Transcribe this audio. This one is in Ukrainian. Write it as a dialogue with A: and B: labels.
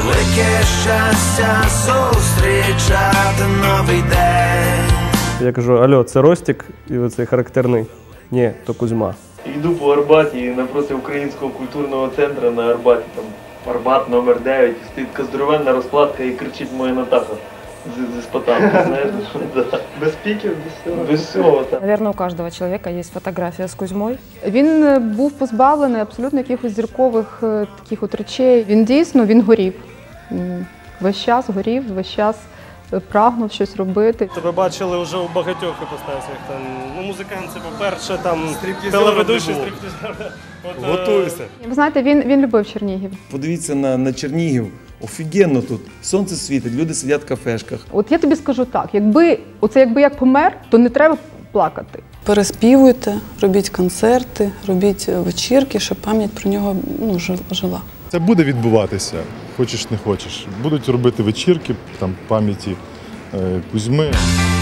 A: велике щастя зустрічати новий день.
B: Я кажу: алло, це Ростік? І оцей характерний: ні, то Кузьма.
C: Йду по Арбаті, напроти Українського культурного центру на Арбаті, там Арбат номер 9, стоїть така здоровенна розкладка і кричить моя Натаха зі спотами, знаєш? Без піків, без всього. Без всього, так.
D: Наверное, у каждого человека есть фотография с Кузьмой.
E: Він був позбавлений абсолютно якихось зіркових таких от речей. Він дійсно, він горів. Весь час горів, весь час прагнув щось робити.
F: Тебе бачили вже у багатьох іпостасях. Ну, музикант це по-перше, там телеведучий, стриптизер.
G: Готуйся.
E: Ви знаєте, він любив Чернігів.
G: Подивіться на Чернігів. Офігенно тут. Сонце світить, люди сидять в кафешках.
E: От я тобі скажу так, якби як помер, то не треба плакати.
H: Переспівуйте, робіть концерти, робіть вечірки, щоб пам'ять про нього жила.
I: Це буде відбуватися, хочеш не хочеш. Будуть робити вечірки, там пам'яті Кузьми.